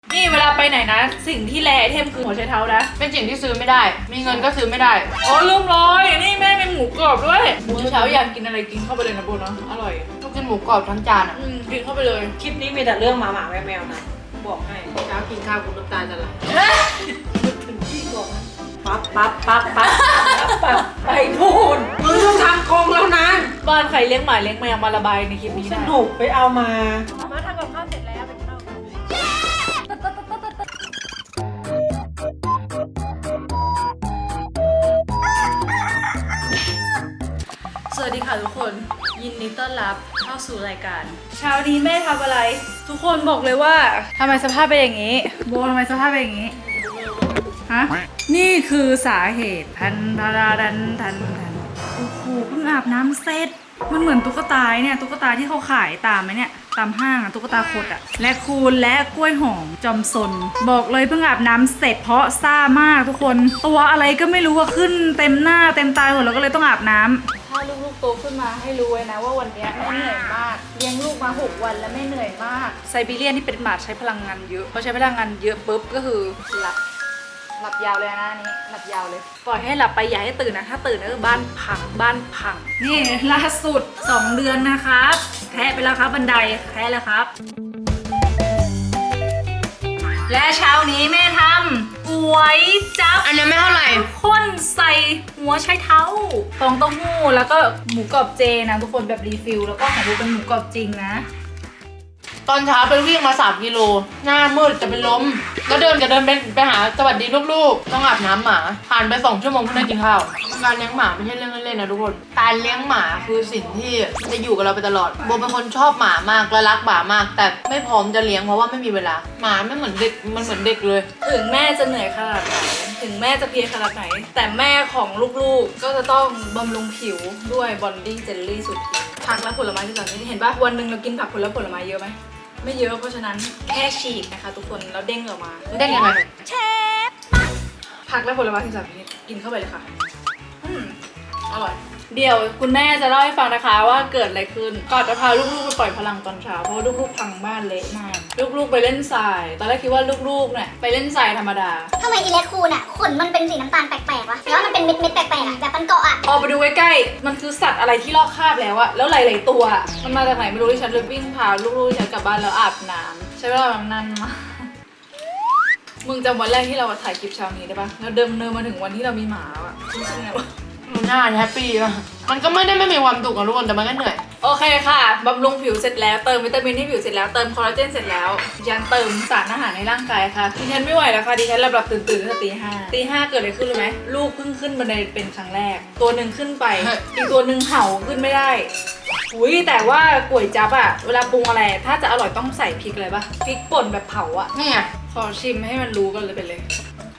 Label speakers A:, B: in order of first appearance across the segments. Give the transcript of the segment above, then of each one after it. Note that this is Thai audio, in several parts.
A: นี่เวลาไปไหนนะสิ่งที่แลไอเทมคือหัวไชเท้านะ
B: เป็นสิ่งที่ซื้อไม่ได้มีเงินก็ซื้อไม่ได้
A: อ๋อลืมเลยนี่แม่เป็นหมูกรอบด้วยหมูเช้าอยากกินอะไรกินเข้าไปเลยนะโบเนาะอร่อย
B: ต้องกินหมูกรอบทั้งจานอ่ะ
A: กินเข้าไปเลย
C: คลิปนี้มีแต่เรื่องหมาแมวนะบอกให้เช้ากินข้าวคุณน้ำตาจะไหลถึงที่บอกนะปั๊บไปพูดมึงต้องทำกรงแล้วนะ
A: บ้านใครเลี้ยงหมาเลี้ยงแมวมาระบายในคลิปนี้
C: ส
A: ได้
C: นุกไปเอามา
A: ทำกับข้าวเสร็จแล้วไปเข้าสวัสดีค่ะทุกคนยินดีต้อนรับเข้าสู่รายการเช้านี้แม่ทำอะไรทุกคนบอกเลยว่าทำไมสภาพเป็นอย่างนี้โบทำไมสภาพเป็นอย่างนี้ฮะนี่คือสาเหตุทันโอ้โหเพิ่งอาบน้ำเสร็จมันเหมือนตุ๊กตาเนี่ยตุ๊กตาที่เขาขายตามไหมเนี่ยตามห้างอะตุ๊กตาคดอะและคูนและกล้วยหอมจอมซนบอกเลยเพิ่งอาบน้ำเสร็จเพราะซ่ามากทุกคนตัวอะไรก็ไม่รู้ว่าขึ้นเต็มหน้าเต็มตาหมดแล้วก็เลยต้องอาบน้ำถ้าลูกๆโตขึ้นมาให้รู้ไว้นะว่าวันนี้แม่เหนื่อยมากเลี้ยงลูกมา6 วันแล้วแม่เหนื่อยมากไซบีเรียนที่เป็นหมาใช้พลังงานเยอะพอใช้พลังงานเยอะปุ๊บก็คือหลับยาวเลยนะนี้หลับยาวเลยปล่อยให้หลับไปอย่าให้ตื่นนะถ้าตื่นก็คือบ้านพังนี่ล่าสุด2 เดือนนะครับแพ้ไปแล้วครับบันไดแพ้แล้วครับและเช้านี้แม่ทำก๋วยจั๊บ
B: อันนี้ไม่เท่าไหร่
A: ข้นใส่หัวไชเท้าฟองเต้าหู้แล้วก็หมูกรอบเจนะทุกคนแบบรีฟิลแล้วก็ของดูเป็นหมูกรอบจริงนะ
B: ตอนเช้าไปวิ่งมา3 กิโลหน้ามืดจะเป็นล้มก็เดินไปหาสวัสดีลูกๆต้องอาบน้ำหมาผ่านไป2 ชั่วโมงเพิ่งได้กินข้าวการเลี้ยงหมาไม่ใช่เรื่องเล่นๆนะทุกคนการเลี้ยงหมาคือสิ่งที่จะอยู่กับเราไปตลอดโบเป็นคนชอบหมามากและรักหมามากแต่ไม่พร้อมจะเลี้ยงเพราะว่าไม่มีเวลาหมาไม่เหมือนเด็กมันเหมือนเด็กเลย
A: ถึงแม่จะเหนื่อยขนาดไหนถึงแม่จะเพลียขนาดไหนแต่แม่ของลูกๆก็จะต้องบำรุงผิวด้วยบอนดิ้งเจลลี่สุดทีผักและผลไม้ที่แบบนี้เห็นป่ะวันหนึ่งเรากินผักผลไม้เยอะไหมไม่เยอะเพราะฉะนั้นแค่ฉีกนะคะทุกคนแล้วเด้งออกมา
B: เด้งยังไง
A: เชฟผักและผลไม้ที่แบบนี้กินเข้าไปเลยค่ะอร่อยเดี๋ยวคุณแม่จะเล่าให้ฟังนะคะว่าเกิดอะไรขึ้นก่อนจะพาลูกๆไปปล่อยพลังตอนเช้าเพราะว่าลูกๆพังบ้านเละมากลูกๆไปเล่นทรายตอนแรกคิดว่าลูกๆเนี่ยไปเล่นทรายธรรมดา
D: ทำไมอีเล็กคูนอ่ะขนมันเป็นสีน้ำตาลแปลกๆวะหรือว่ามันเป็นเม็ดๆแปลกๆอ่ะแบบมันเกาะอ่ะ
A: พอไปดูใกล้ๆมันคือสัตว์อะไรที่ลอกคราบแล้วอะแล้วหลายๆตัวมันมาจากไหนไม่รู้ที่ฉันเลยวิ่งพาลูกๆฉันกลับบ้านแล้วอาบน้ำใช้เวลาแบบนานมากมึงจำวันแรกที่เราถ่ายคลิปเช้านี้ได้ปะแล้วเดินมาถึงวันที่เรามีหมาอะรู้สึกไงวะ
B: หน้าแฮปปี้ป่ะมันก็ไม่มีความสุขกับทุกคนแต่มันก็เหนื่อย
A: โอเคค่ะบำรุงผิวเสร็จแล้วเติมวิตามินให้ผิวเสร็จแล้วเติมคอลลาเจนเสร็จแล้วยันเติมสารอาหารในร่างกายค่ะดิฉันไม่ไหวแล้วค่ะดิฉันหลับตื่นตั้งแต่ตีห้าเกิดอะไรขึ้นรู้ไหมลูกเพิ่งขึ้นบันไดเป็นครั้งแรกตัวหนึ่งขึ้นไปอีกตัวหนึ่งเห่าขึ้นไม่ได้อุ้ยแต่ว่าก๋วยจั๊บอะเวลาปรุงอะไรถ้าจะอร่อยต้องใส่พริกอะไรปะพริกป่นแบบเผาอะ
B: นี่ไง
A: ขอชิมให้มันรู้กันเลยไปเลย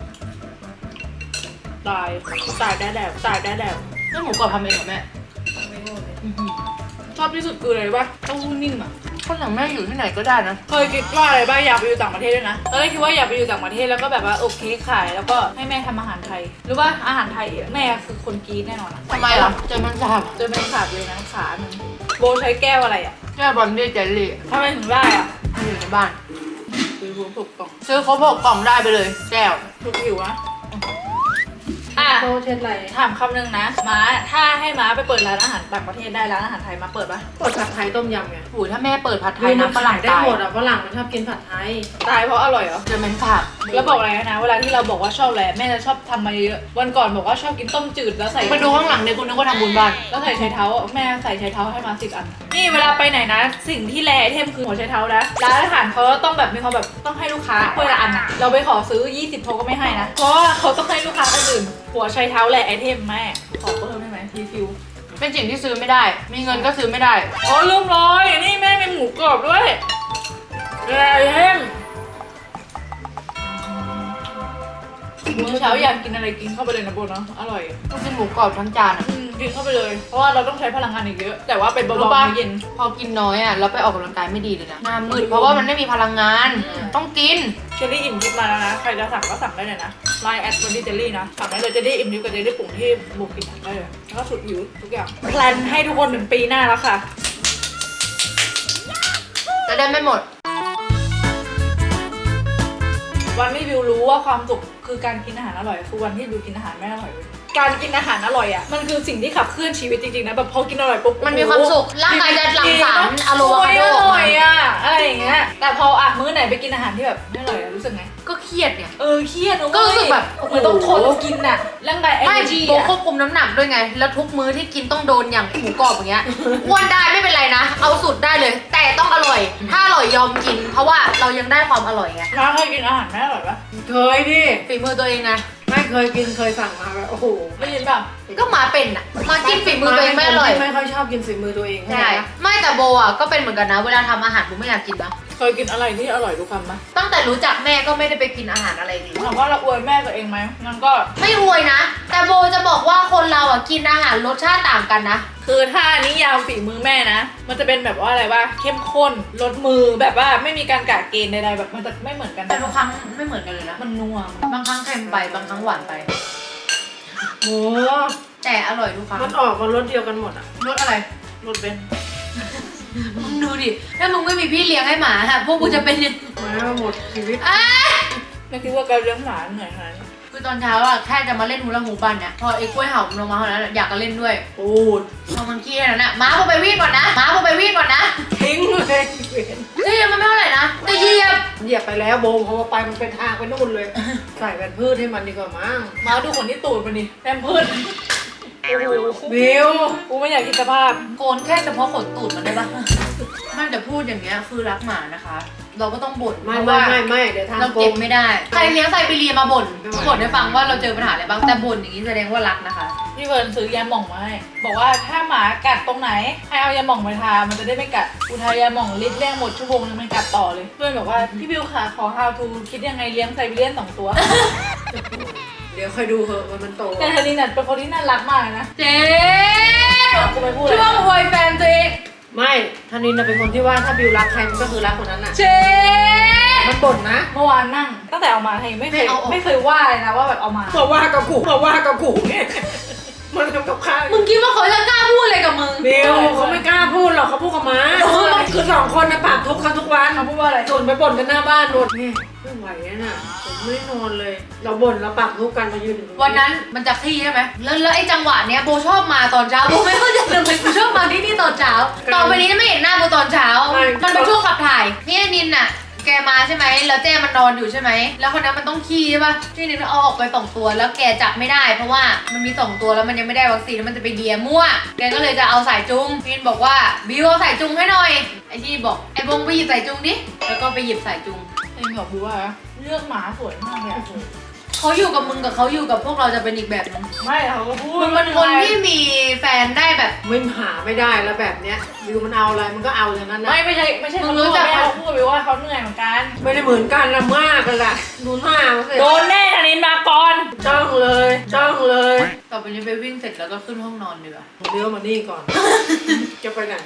A: ตายได้แล้ว
B: นี่หมูกรอบทำเองเหรอแม่
A: ไม่รู้เลยชอบที่สุดคืออะไรปะเต้าหู้นิ่มอะ
B: คนอย่างแม่อยู่ที่ไหนก็ได้นะ
A: เคยคิดว่าอะไรบ้างอยากไปอยู่ต่างประเทศด้วยนะตอนแรกคิดว่าอยากไปอยู่ต่างประเทศแล้วก็แบบว่าโอเคขายแล้วก็ให้แม่ทำอาหารไทยหรือว่าอาหารไทยแม่คือคนกรีดแน่นอน
B: ทำไมล่ะเจอมันสาบ
A: เลยนะขาหนึ่งโบใช้แก้วอะไรอะ
B: แก้วบอนดี้เจลลี่
A: ทำไมถึงได้อะ
B: อยู่ในบ้าน
A: ซื้อครบ6 กล่อง
B: ซื้อครบ6 กล่องได้ไปเลยแก้ว
A: ถูกอยู่นะ
C: โตเช็ดอะไร
A: ถามคำหนึ่งนะม้าถ้าให้ม้าไปเปิดร้านอาหารต่างประเทศได้ร้านอาหารไทยมาเปิดปะ
C: เปิดผัดไทยต้มยำไง
B: โอ้ยถ้าแม่เปิดผัดไทยน้ำฝรั่ง
C: ได้หมดอ่ะฝรั่งมันชอบกินผัดไทย
A: ตายเพราะอร่อยเหรอ
B: เจอมันสาบ
A: แล้วบอกอะไรนะเวลาที่เราบอกว่าชอบอะไรแม่จะชอบทำมาเยอะวันก่อนบอกว่าชอบกินต้มจืดแล้วใส่
B: ไปดูข้างหลังเนี่ยคุณนึกว่าทำบุญบ้าน
A: แล้วใส่ไชเท้าแม่ใส่ไชเท้าให้มา10 อันนี่เวลาไปไหนนะสิ่งที่แลไอเทมคือหัวไชเท้านะร้านอาหารเขาต้องแบบมีความแบบต้องให้ลูกค้าคนละอันอะเราไปขอซื้อ20เขาก็ไม่ให้นะเพราะว่าเขาต้องให้ลูกค้าคนอื่นหัวไชเท้าแลไอเทมแม่ขอเพิ่มได้ไหมรีฟิล
B: เป็นสิ่งที่ซื้อไม่ได้มีเงินก็ซื้อไม่ได้
A: อ๋อลืมเลยนี่แม่เป็นหมูกรอบด้วยแลไอเทมมื้อเช้าอยากกินอะไรกินเข้าไปเลยนะโบเนาะอร่อย
B: ต้องกินหมูกรอบทั้งจานอ่ะ
A: กินเข้าไปเลยเพราะว่าเราต้องใช้พลังงานอีกเยอะแต่ว่าเป็นเบาๆเย็น
B: พอกินน้อยอ่ะแล้วไปออกกำลังกายไม่ดีเลยนะหน้ามืดเพราะว่ามันไม่มีพลังงานต้องกิน
A: เจลลี่อิ่มทิพย์มาแล้วนะใครจะสั่งก็สั่งได้เลยนะไลน์แอดวันดี้เจลลี่นะสั่งได้เลยเจลลี่อิ่มทิพย์กับเจลลี่ปุ่งที่บุกกินได้เลยแล้วก็สุดหิวทุกอย่างแพลนให้ทุกคนถึงปีหน้าแล้วค่ะ
B: จะได้ไม่หมด
A: วันที่บิวรู้ว่าความสุขคือการกินอาหารอร่อยคือวันที่บิวกินอาหารไม่อร่อยเว้ยการกินอาหารอร่อยอ่ะมันคือสิ่งที่ขับเคลื่อนชีวิตจริงๆนะแบบพอกินอร่อยปุ๊บ
B: มันมีความสุขร่างกายจะหลั่งสารอะโลวาคาโด
A: อ
B: ออก
A: ร่อ
B: มาย
A: อ่ะอะไรอย่างเงี้ยแต่พออ่ะมื้อไหนไปกินอาหารที่แบบไม่อร่อยอะรู้สึกไง
B: ก็เครียดเนี่ย
A: เครียดนะเว้ย
B: ก็รู้สึกแบบโอ้โห
A: เหมือนต้องทนกินอ่ะร่างกาย
B: ไม่
A: energy
B: โบ
A: อ่ะ
B: ควบคุมน้ำหนักด้วยไง แล้วทุกมื้อที่กินต้องโดนอย่างหมูกรอบอย่างเงี้ยอ้วนได้ไม่เป็นไรนะ เอาสุดได้เลย แต่ต้องอร่อย ถ้าอร่อยยอมกิน เพราะว่าเรายังได้ความอร่อยไง
A: น้าเคยกินอาหารไม่อร่อยปะ
C: เคยดิ
B: ฝีมือตัวเองไง
C: ไม่เคยกินเคยสั่งมาแบบโอ้โห
A: ไม่ยินเปล่า
B: ก็หมาเป็นอ่ะ มากินฝีมือตัวเองไม่อร่อย
C: ไม่ค่อยชอบกินฝีมือตัวเอง
B: ใช่ ไม่แต่โบอ่ะก็เป็นเหมือนกันนะ เวลาทำอาหารโบไม่อยากกินนะ
A: เคยกินอะไรที่อร่อยทุกคำปะ
B: ตั้งแต่รู้จักแม่ก็ไม่ได้ไปกินอาหารอะไรเลย
A: ถามว่าเราอวยแม่ตัวเองไหมมันก็
B: ไม่อวยนะ แต่โบจะบอกว่าคนเราอ่ะกินอาหารรสชาติต่างกันนะ
A: คือถ้านิยามฝีมือแม่นะ มันจะเป็นแบบว่าอะไรว่าเข้มข้นรสมือแบบว่าไม่มีการกะเกณฑ์ใดๆแบบมันจะไม่เหมือนกัน
B: แต่ทุกครั้งไม่เหมือนกันเลยนะ
A: มันนัว
B: บางครั้งเค็มไป บางครั้งหวานไป
C: โอ้
B: แต่อร่อยทุกครั้ง
C: มันออกมารสเดียวกันหมดอ่ะ
B: รสอะไร
A: รสเบนซ์
B: มึงดูดิ ถ้ามึงไม่มีพี่เลี้ยงให้หมาฮะพวกกูจะเป็นยัง
C: มาหมดชีวิต
B: อ่ะ
A: ไม่คิดว่าการเลี้ยงหมาเหนื่อยขนาดนี้
B: คือตอนเช้าอะแค่จะมาเล่นฮูลาฮูปกันเนี่ยพอไอ้กล้วยเห่ามันลงมาเท่านั้นอยากจะเล่นด้วย
C: ปูด
B: พอมันขี้แล้วนะม้าพอไปวิ่งก่อนนะม้าพอไปวิ่งก่อนนะ
C: ทิ้งเลยเว้น
B: เฮ้ยมันไม่เท่าไหร่นะแต่เหยียบ
C: เหยียบไปแล้วโบมพอไปมันเป็นทางไปนู่นเลย ใส่แผ่นพืชให้มันดีกว่ามั้ง
A: มาดูขนที่ตูดมันดิแพมเพิร์ดโอ้โห
C: บิว
A: กูไม่อยากคิดสภาพ
B: โกนแค่เฉพาะขนตูดมันได้ปะไม่แต่พูดอย่างเงี้ยคือรักหมานะคะ เราก็ต้องบ่น
C: ไม่
B: เพราะ
C: ไม่
B: ว่า
C: ไม่เดี๋ยว
B: เรา
C: ทำโก
B: เก็บ
C: ง
B: ไม่ได้ ใครเลี้ยงไซบีเรียมาบ่น
C: ไม่ไหว
B: บ่นให้ฟังว่าเราเจอปัญหาอะไรบ้าง แต่บ่นอย่างนี้แสดงว่ารักนะคะ
A: พี่เฟิร์นซื้อยาหม่องมาให้บอกว่าถ้าหมากัดตรงไหนให้เอายาหม่องไปทามันจะได้ไม่กัดกูทายาหม่องลิตรแรกหมดชั่วโมงนึงมันกัดต่อเลยเพื่อนบอกว่าพี่บิวค่ะขอ how to คิดยังไงเลี้ยงไซบีเรียน2 ตัว
C: เดี๋ยวค่อยดูเหอะมันโต
A: แต่ธนินน่ะเป็นคนที่น่ารักมากเลยนะ
B: เจ๊
A: กูไม่พูด
B: ช่วงอวยแฟนตัวเอง
C: ไม่ธนินน่ะเป็นคนที่ว่าถ้าบิวรักใครมันก็คือรักคนนั้นน่ะ
B: เจ๊
C: มันบ่นนะ
A: เมื่อวานนั่งตั้งแต่เอามาให้ไม่เคยว่าเลยนะว่าแบบเอามา
C: มาว่ากับกูมาว่ากับกูเนี่ยมันทำกับข้าว
B: มึงคิดว่าเขาจะกล้าพูดอะไรกับมึง
C: บิวเขาไม่กล้าพูดหรอกเขาพูดกับม้าคือสองคนนะปากทุกข์กันทุกวัน
A: เขาพูดว่าอะไร
C: ส่วนไปบ่นกันหน้าบ้านนนแม่ไม่ไหวน่ะผมไม่ได้นอนเลย เราบ่นเราปากทุกข์กันมายืนอยู่ตรง
B: วันนั้นมันจะขี้ใช่ไหมแล้วไอ้จังหวะเนี้ยโบชอบมาตอนเช้าโบไม่เข้าใจทำไมกูชอบมาที่นี่ตอนเช้าต่อไปนี้ไม่เห็นหน้าโบตอนเช้า มันเป็นช่วงขับถ่ายนี่ไอ้นินน่ะ แกมาใช่ไหมแล้วเจ้มันนอนอยู่ใช่ไหมแล้วคนนั้นมันต้องขี้ใช่ป่ะที่นินเอาออกไป2 ตัวแล้วแกจับไม่ได้เพราะว่ามันมี2 ตัวแล้วมันยังไม่ได้วัคซีนแล้วมันจะไปเลียมั่วแกก็เลยจะเอาสายจุงนินบอกว่าบิวเอาสายจุงให้หน่อยไอ้ที่บอกไอ้บงไปหยิบสายจุงดิแล้วก็ไปหยิบสายจุง
A: เองบอกดูว่าเลือกหมาสวยมากเลยอะ
B: เขาอยู่กับมึงกับเขาอยู่กับพวกเราจะเป็นอีกแบบนึง
A: ไม่เขาก็พูด
B: มึงเป็นคนที่มีแฟนได้แบบ
C: ไม่หาไม่ได้แล้วแบบเนี้ยบิวมันเอาอะไรมันก็เอาอย่างนั้นนะ
A: ไม่ใช่
B: มึง
A: เขา
B: รู้
A: รู้
B: จั
A: จั
B: ก
A: กเขาพูดไปว่าเขาเหนื่อยเหมือนกัน
C: ไม่ได้เหมือนกันนะมากเลยล่ะดูหน้ามันสิ
A: โดนแน่ธนินมาก่อน
C: จ้องเลยจ้องเลย
B: ต่อไปนี้ไปวิ่งเสร็จแล้วก็ขึ้นห้องนอนดีกว่า
C: เลี้ยวมานี่ก่อน จะไปไหน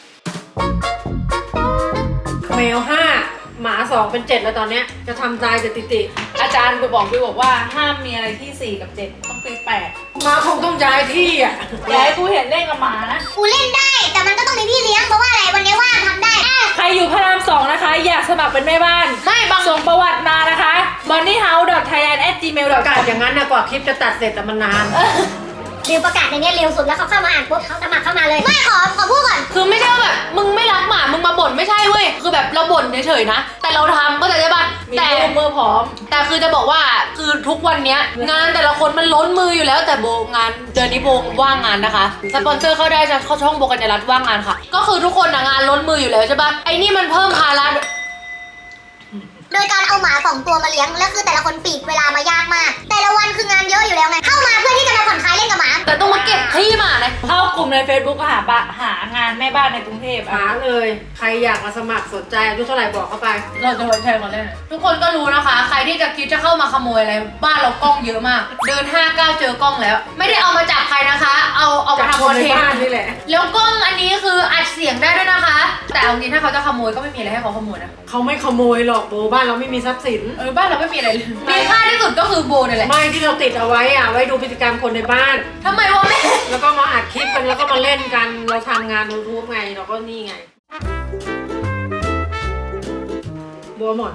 C: แมว5หมา2เป็น7แล้วตอนเนี้ยจะทำตายแต่ติ
A: อาจารย์ไปบอกไปบอกว่าห้ามมีอะไรที่4 กับ 7ต้องเป็น8
C: หมาคงต้องย้ายที่อ่ะ
A: อย่าให้กูเห็นเล่นกับหมานะ
D: กูเล่นได้ แต่มันก็ต้องมีพี่เลี้ยงเพราะว่าอะไรวันนี้ว่างทำได้
A: ใครอยู่พระราม2นะคะ อยากสมัครเป็นแม่บ้าน
B: ไม่บาง
A: ส่งประวัติมานะคะ bunnyhouse.thailand@gmail.com
C: ประกาศอย่างนั้นนะกว่าคลิปจะตัดเสร็จแต่มันนาน
D: บิวประกาศในนี้เร็วสุดแล้วเขาเข้ามาอ่านปุ๊บเขาสมัครเข้ามาเลย ไม่ขอพูดก่อน
B: คือไม่ใช่ว่าแบบมึงไม่รักหมา มึงมาบ่นไม่ใช่เว้ย คือแบบเราบ่นเฉยๆนะ แต่เราทำก็จะได้ป่ะ
A: มี
B: แต่
A: รูปมือพร้อม
B: แต่คือจะบอกว่าคือทุกวันเนี้ยงานแต่ละคนมันล้นมืออยู่แล้วแต่โบงานเดือนนี้โบว่างงานนะคะ สปอนเซอร์เข้าได้จะเข้าช่องโบกัญญารัตน์ว่างงานค่ะ ก็คือทุกคนงานล้นมืออยู่แล้วใช่ป่ะ ไอ้นี่มันเพิ่มภาระ
D: โดยการเอาหมา2 ตัวมาเลี้ยง แล้วคือแต่ละคนปีกเวลามายากมาก แต่ละวันคืองานเยอะอยู่แล้วไง เข้ามาเพื่อที่จะมาผ่อนคลายเล่นกับหมา
B: แต่ต้องมาเก็บขี้หมาเลย
A: เข้ากลุ่มใน Facebook ก็หางานแม่บ้านในกรุงเทพ
C: หาเลย ใครอยากมาสมัครสนใจอายุเท่าไหร่บอกเข้าไป
B: เราจะไว้ใจคนเล่นทุกคนก็รู้นะคะ ใครที่จะคิดจะเข้ามาขโมยอะไรบ้านเรากล้องเยอะมาก เดิน5 ก้าวเจอกล้องแล้ว ไม่ได้เอามาจับใครนะคะ เอามา
C: จาก
B: ทำ
C: ค
B: คอน น
C: ใน
B: เทน
C: บ้าน
B: ต์
C: นี่แหละ
B: แล้วกล้องอันนี้คืออัดเสียงได้ด้วยนะคะ แต่เอาจริงถ้าเขาจะขโมยก็ไม่มีอะไรให้เขาขโมยนะ
C: เขาไม่ขโมยหรอกโบบ้านเราไม่มีทรัพย์สิน
B: บ้านเราไม่มีอะไรเลยมีค่าที่สุดก็คือโบนี่แหละ
C: ไม่ที่เราติดเอาไว้อะไว้ดูพฤติกรรมคนในบ้าน
B: ทำไมวะแม่
C: แล้วก็มาอัดคลิปกันแล้วก็มาเล่นกันเราทำงานยูทูบไงเราก็นี่ไงบัวหมอนไหม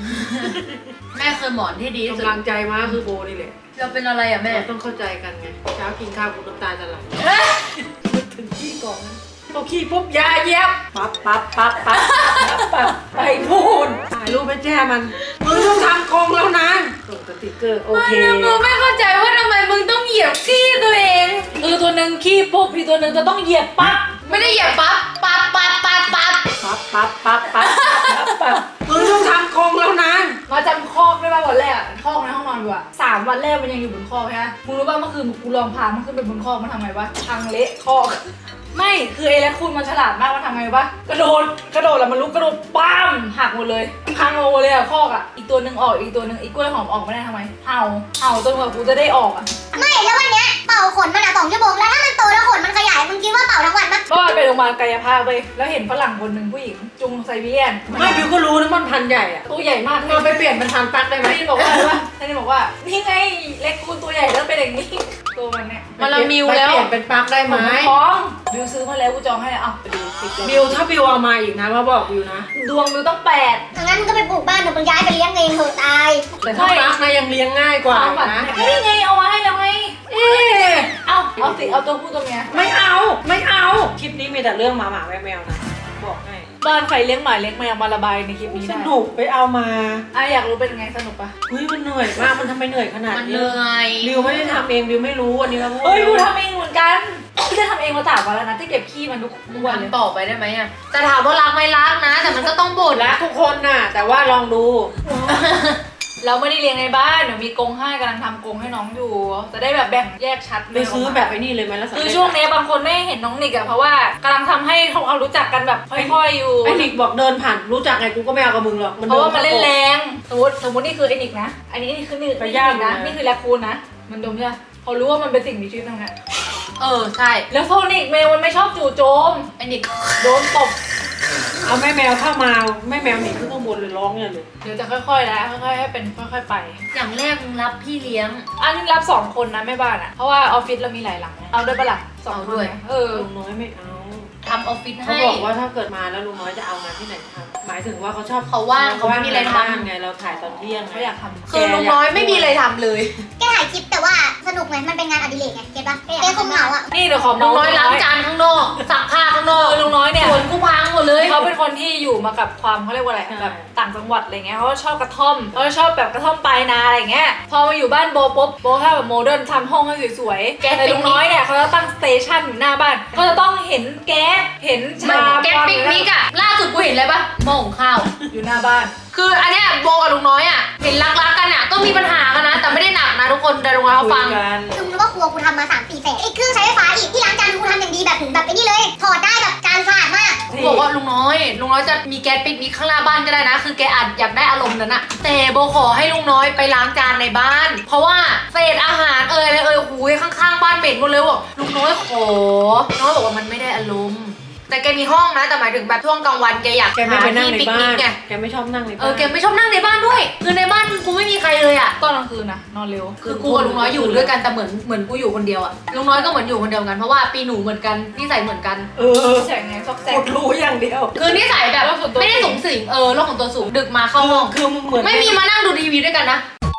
B: แม่เคยหมอนที่ดีที่สุด
C: กำลังใจมาคือโบนี่แหละ
B: เราเป็นอะไรอ่ะแม่
C: เราต้องเข้าใจกันไงเช้ากินข้าวคุณน้ำตาจะไหลถึงขี้ก่อนพอขี้ปุ๊บยาเย็บปั๊บปั๊บปั๊บปั๊บปั๊บไปพูนถ่ายรูปไปแจ้มันมึงต้องทำกรงแล้วนะส่งสติ๊กเกอร์โอเค
B: กูไม่เข้าใจว่าทำไมมึงต้องเหยียบขี้ตัวเอง
A: คือตัวหนึ่งขี้ปุ๊บอีกตัวหนึ่งจะต้องเหยียบปั๊บ
B: ไม่ได้เหยียบปั๊บปั๊บปั๊บปั๊บปั๊บ
C: ปั๊บปั๊บปั๊บปั๊บปั๊บมึงต้องทำกรงแล้วนะ
A: มาจำคอกได้ป่ะวันแรกอะคอกในห้องนอนกูอะ3 วันแรกมันยังอยู่บนคอกใช่ไหมมึงรู้ป่ะเมื่อคืนกูลองพามันขึ้นไปบนคอกมันทำไงวะพังเละคอกไม่คือไอ้และคุณมันฉลาดมากมันทำไงวะกระโดดแล้วมันลุกกระโดดปั้มหักหมดเลยพังหมดเลยอะคอกอะอีกตัวหนึ่งออกอีกตัวหนึ่งอีกกล้วยหอมออกไม่ได้ทำไมเห่าจนกว่ากูจะได้ออกอะ
D: ไม่แล้ววันเนี้ยเป่าขนมัน2 ชั่วโมงแล้วถ้ามันโตแล้วขนมันขยายมึงคิดว่าเป่าทั้งวันปะ
A: เมื่อวานไปโรงพยาบาลกายภาพไปแล้วเห็นฝรั่งคนหนึ่งผู้หญิงจุงไซบีเรียน
C: ไม่บิวก็รู้นะมันพันใหญ่อะ
A: ตัวใหญ่มาก
C: เราไปเปลี่ยนเป็นพันปักได้ไหม
A: ท่านบอกว่าอะไรวะท่านบอกว่านี่ไงเล็กคูณตัวใหญ่แล้วเป็นอย่างนี้ตัวมันเนี่ย
B: มันละมิวแล้ว
C: ไปเปลี่ยนเป็นปักได้ไหม
A: ท้องบิวซื้อมาแล้วกูจองให้เอาไปดูติด
C: บิวถ้าบิวเอามาอีกนะว่าบอกบิวนะ
A: ดวงบิวต้อง8
D: งั้นมึงก็ไปปลูกบ้านเดี๋ยวมึงย้ายไปเลี้ยงเองเถอะตาย
C: แต่ถ้าปักนะยังเลี้ยงง่ายกว่า
A: ความฝัน
C: นะ
A: ก็นี่ไงเอามาให้แล้วไง
C: เอ๊ะ
A: เอาสิเอาตัวผู้ตัวเมีย
C: ไม่เอาคลิปนี้มีแต่เรื่องหมาแมวนะบอกให้
A: บ้านใครเลี้ยงหมาเลี้ยงแมวมาระบายในคลิปนี้
C: ส
A: ได้
C: นุกไปเอามา
A: อยากรู้เป็นไงสนุกปะ
C: เฮ้ยมันเหนื่อยมากมันทำไมเหนื่อยขนาด
B: มัน
C: นี้
B: เหนื่อย
C: บิวไม่ได้ทำเองบิวไม่รู้วันนี้เรา
A: เฮ้ยกูทำเองเหมือนกันกูจะทำเองมา3 วันแล้วนะที่เก็บขี้มันทุกวันเลย
B: ทำต่อไปได้ไหมอ่ะแต่ถามว่ารักไหมรักนะ แต่มันก็ต้องบ่น
C: รักทุกคนน่ะ แต่ว่าลองดู
A: เราไม่ได้เลี้ยงในบ้านเดี๋ยวมีกรงให้กำลังทำกรงให้น้องอยู่จะได้แบบแบ่งแยกชัด
C: ไปซื้อแบบไอ้นี่เลยไหมแล้ว
A: คือช่วงนี้บางคนไม่เห็นน้องนิกอะเพราะว่ากำลังทำให้เขารู้จักกันแบบค่อยๆอยู่
C: ไอ้นิกบอกเดินผ่านรู้จักไงกูก็ไม่เอากับมึงหรอก
A: เพราะว่ามันเล่นแรงสมมตินี่คือไอ้นิกนะอันนี้คือนี่
C: ไปย่าง
A: นะ
C: นะ
A: นี่คือแรคคูนนะมันดมใช่ไหมเขารู้ว่ามันเป็นสิ่งมีชีวิตตรงนั้น
B: ใช่
A: แล้วโซนิกแมวมันไม่ชอบจู่โจม
B: ไอ้นิก
A: โดนตบ
C: เอาแม่แมวเข้ามาแม่แมวหนีขึ้นข้างบนเลยร้องเนี่ยเลย
A: เดี๋ยวจะค่อยๆนะค่อยๆให้เป็นค่อยๆไป
B: อย่างแรกมึงรับพี่เลี้ยง
A: อันนี้รับ2 คนนะแม่บ้านอะเพราะว่าออฟฟิศเรามีหลายหลังไงเอาด้วยปะล่ะ2 คน
B: ด้วย
A: ไง
C: ลุงน้อยไม่เอา
B: ทำออฟฟิศ
C: เขา
B: ให้
C: บอกว่าถ้าเกิดมาแล้วลุงน้อยจะเอางานที่ไหนทำหมายถึงว่าเขาชอบ
B: เขาว่างเขาไม่มีอะไรทำ
C: ไงเราถ่ายตอนเที่ยง
A: เขาอยากทำ
B: คือลุงน้อยไม่มีอะไรทำเลย
D: แกถ่ายคลิปแต่ว่าสนุกไงมันเป็นงานอดิเรกไงเก็ตปะแกคงเหงาอ่ะ
A: นี่เดี๋ยวขอ
B: ลุ
A: เมาง
B: น้อยล้างจานข้างนอกซักผ้าข้างนอก
A: ลุงน้อยเนี่ย
B: สวนกูพังหมดเลย
A: เขาเป็นคนที่อยู่มากับความเขาเรียกว่าอะไรแบบต่างจังหวัดอะไรเงี้ยเขาชอบกระท่อมเขาชอบแบบกระท่อมปลายนาอะไรเงี้ยพอมาอยู่บ้านโบปุ๊บโบถ้าแบบโมเดิร์นทำห้องให้สวยๆแต่ลุงน้อยเนี่ยเขาจะตั้งสเตชันอยู่หน้าบ้านเขาจะต้องเห็นแก๊สเห็นชา
B: แกงปิกนิกอะล่าสุดกูเห็นอะไรปะหม้อหุงข้าว
A: อยู่หน้าบ้าน
B: คืออันเนี้ยโบกับลุงน้อยอะเห็นรักๆกันอะก็มีปัญหากันนะ แต่ไม่ได้หนักนะทุกคนแต่ลุงน้อยเขาฟัง
C: กัน
D: คือมึงรู้ว่าครัวกูทำมา3-4 แสนไอ้เครื่องใช้ไฟฟ้าอีกที่ล้างจานกูทำอย่างดีแบบถึงแบบไอ้นี่เลยถอดได้แบบจานสะอาดมาก
B: บอกว่าลุงน้อยจะมีแก๊สปิกนิกข้างหน้าบ้านก็ได้นะ คือแกอาจอยากได้อารมณ์นั้นอะแต่โบขอให้ลุงน้อยไปล้างจานในบ้าน เพราะว่าเศษอาหารอะไรหูยข้างๆบ้านเหม็นหมดเลยบอกลุงน้อยขอน้อยบอกว่ามันไม่ได้อารมณ์แต่แกมีห้องนะแต่หมายถึงแบบช่วงกลางวันแกอยาก
C: แกไม่ไปนั่ง
B: ที่
C: ใน
B: ปิก
C: บ้า
B: นิก
C: น
B: ไง
C: แกไม่ชอบนั่งในบ้าน
B: แกไม่ชอบนั่งในบ้านด้วยคือในบ้านกูไม่มีใครเลยอะ
A: ตอนกลางคืนนะนอนเร็ว
B: คือกูกับลุงน้อยอยู่ด้วยกันแต่เหมือนกูอยู่คนเดียวอะลุงน้อยก็เหมือนอยู่คนเดียวกันเพราะว่าปีหนูเหมือนกันนิสัยเหมือนกัน
A: แสงไงซอกแซ
C: ก
A: ก
C: ดรู้อย่างเดียว
B: คือนิสัยแบบ
A: โลกส่วนตัว
B: ไม่ได้สูงสิงโลกของตัวสูงดึกมาเข้าห้อง
C: คือมึงเหมือน
B: ไม่มีมานั่งดูทีวีด้วยกันนะ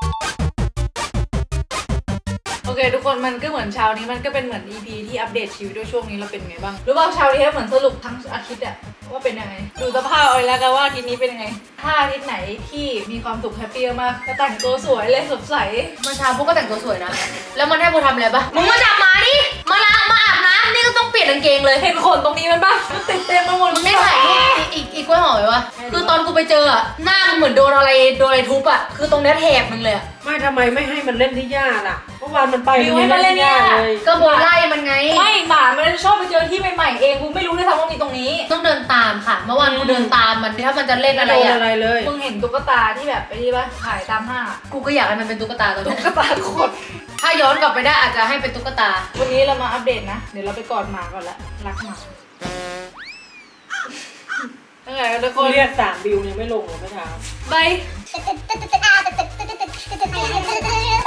A: โอเคทุกคนมันก็เหมือนเช้านี้มันก็เป็นเหมือน EP ที่อัปเดตชีวิตด้วยช่วงนี้เราเป็นไงบ้างรู้ป่าวเช้านี้เหมือนสรุปทั้งอาทิตย์อะว่าเป็นยังไงดูสภาพเอาเลยแล้วกันว่าอาทิตย์นี้เป็นยังไงถ้าอาทิตย์ไหนที่มีความสุขแฮปปี้มากก็แต่งตัวสวยเลยสดใส
B: เมื่อเช้าพวกก็แต่งตัวสวยนะ แล้วมันให้โบทำอะไรปะมึงมาจับหมาดิมาล้างมาอาบน้ำนี่ก็ต้องเปลี่ยนกางเกงเลย
A: เห็นขนตรงนี้มันบ้างมันติดเต็มไปหมด
B: มึงได้ถ่ายรูปอีกกล้วยหอมไหมวะคือตอนกูไปเจออะหน้ามึงเหมือนโดนอะไรทุบอะคือตรงเนี้ยแถบมึงเลยอะ
C: ไม่ทำไมไม่ให้มันเล่นที่หญ้าล่ะเมื่อวานมันไปมันเล่นที่หญ้าเลย
B: ก็โบไล่มันไง
A: ไม่หมามันชอบไปเจอที่ใหม่ๆเองกูไม่รู้ด้วยซ้ำว่ามีตรงนี้
B: ต้องเดินตามค่ะ เมื่อวานกูเดินตามมันถ้ามันจะเล่น
C: ไม่
B: อะไร
C: โดน
B: อะ
C: อะไรเลย
A: มึงเห็นตุ๊กตาที่แบบไปที่ป่ะขายตามห้างอะ
B: กูก็อยากให้มันเป็นตุ๊กตาตัว
A: ตุ๊
B: เนี้ย
A: กตาขด
B: ถ้าย้อนกลับไปได้อาจจะให้เป็นตุ๊กตา
A: วันนี้เรามาอัปเดตนะเดี๋ยวเราไปกอดหมาก่อนละรักหมาตั้งแต่ทุกคน
C: เรียก3 บิวยังไม่ลงเลยเมื่อเช้า
A: บาย
D: ตึ๊ดตึ๊ดตึ๊ดตึ๊ดตึ๊ดตึ๊ดตึ๊ดตึ๊ดตึ๊ดตึ๊ด